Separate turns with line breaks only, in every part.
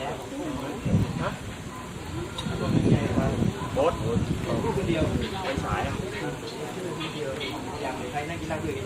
รถคนเดียวไปฉายอย่างใครนั่งกินเหล้าด้วย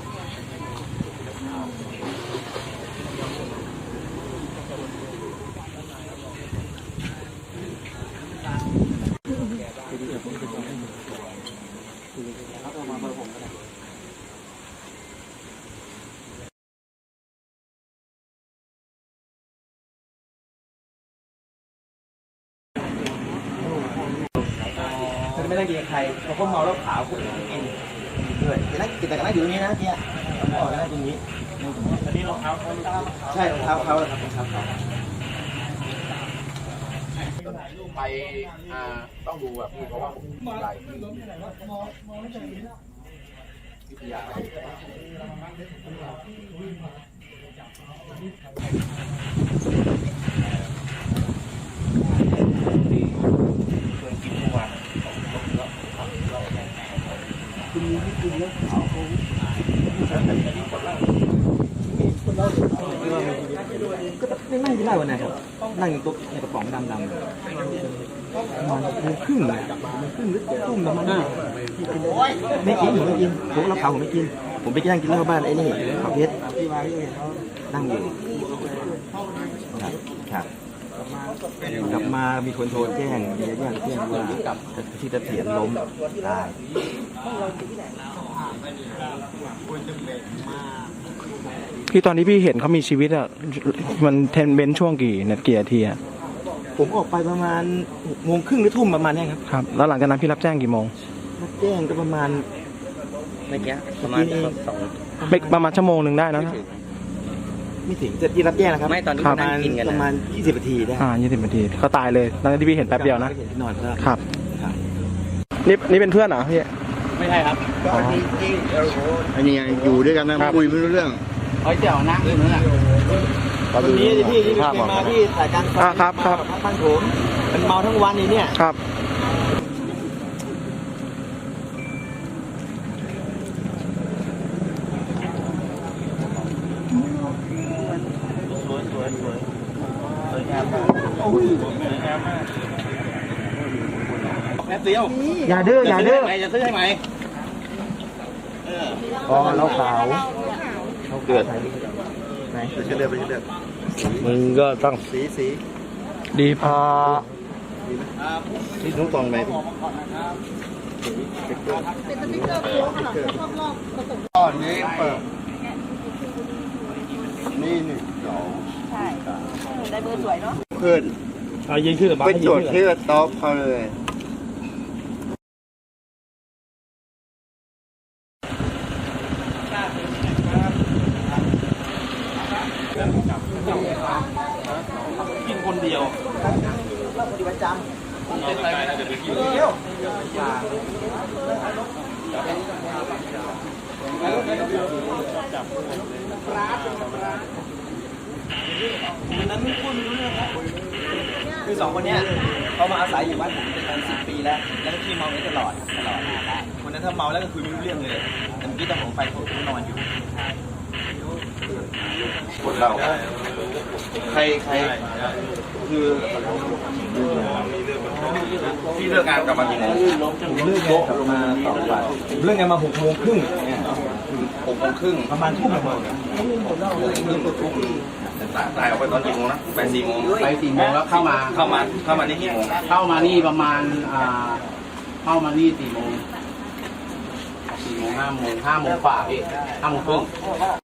ไม่ได้กินใครเขาก็เมาแล้วขาวคุณกินด้วยแต่นั่งกินแต่ก็นั่งอยู่ตรงนี้นะเนี่ยผมบอกนั่งตรงนี้อันนี้รองเท้าเขาใช่รองเท้าเขาครับรองเท้าเขา
ไปต้องดูแบบเพราะว่าใหญ่วิทยา
ก็นั่งกินได้วันไหนครับนั่งอยู่โต๊ะในกระป๋องดำๆมันครึ่งเลยครึ่งหรือตุ้มประมาณนี้ไม่กินผมไม่กินผมรับเผาผมไม่กินผมไปนั่งกินเหล้าบ้านไอ้นี่เขาเพชรนั่งอยู่ครับกลับมามีคนโทรแจ้งว่าที่ตะเถียนล้มตาย
พี่ตอนที่พี่เห็นเขามีชีวิตอ่ะมันเทนเบนช่วงกี่นาทีอะ
ผมออกไปประมาณ6 โมงครึ่งหรือทุ่มประมาณนี้ครับ
ครับแล้วหลังจากนั้นพี่รับแจ้งกี่โมง
รับแจ้งก็ประมาณไม่เกี้ประมาณ
ประมาณชั่วโมงหนึ่งได้นะ
ไม่ถึงจะที่รับแจ้งนะครับ
ไม่ตอนนี้นั่งกินกัน
ประมาณ20 นาทีได้
20 นาทีเขาตายเลยตอนที่พี่เห็นแป๊บเดียวนะ
นอน
ครับนี่เป็นเพื่อนเหรอพี่
ไม่ใช่ครับ
อันนี้อยู่ด้วยกันนะคุยไม่รู้เรื่อง
เจ้านั่งอยู่นั่นแหละ
ตอนนี้พี่ที่มาที่ถ่ายการ
ครับ
บ้านผมมันเมาทั้งวันนี่เนี่ย
ครับ
สวยงามมาก
แป๊บเดียว
อย่าดื้อ
จะซื้อให้ไหม
อ๋อเราขาวเขาเกิดไหนไปเลือก
มึงก็ต้อง
สี
ดีพอ
นี่ทุกตองไหม
เป็นสติ๊กเกอร์โค้งค่ะรอบผสม
ตอนนี้เปิดนี่1 2
ใช่ได้เบอร์สวยเนาะ
ขึ้น
ยิงชื่อ
ไปจดชื่อโต๊ะเขาเลย
กินคนเดียวเราปฏิบัติจำเดียวนั้นพูดไม่รู้เรื่องครับคือ2 คนเนี้ยเขามาอาศัยอยู่บ้านผมเป็น10 ปีแล้วแล้วที่เมาตลอดคนนั้นถ้าเมาแล้วก็คุยไม่รู้เรื่องเลยแต่เมื่อกี้ตอนผมไปผมนอนอยู่
คนเรา
ใครคือ
พี่เลิกงานกลับมากี่โมง
ผมเลิกงานกลับมา2 วันผมเลิกงานมา6 โมงครึ่ง
6 โมงครึ่ง
ประมาณทุ่มประมาณ
ตายออกไปตอนกี่โมงนะไป4 โมง
ไป4 โมงแล้วเข้ามา
นี่กี่โมง
เข้ามานี่ประมาณเข้ามานี่4 โมง 5 โมงกว่าพี่5 โมงครึ่ง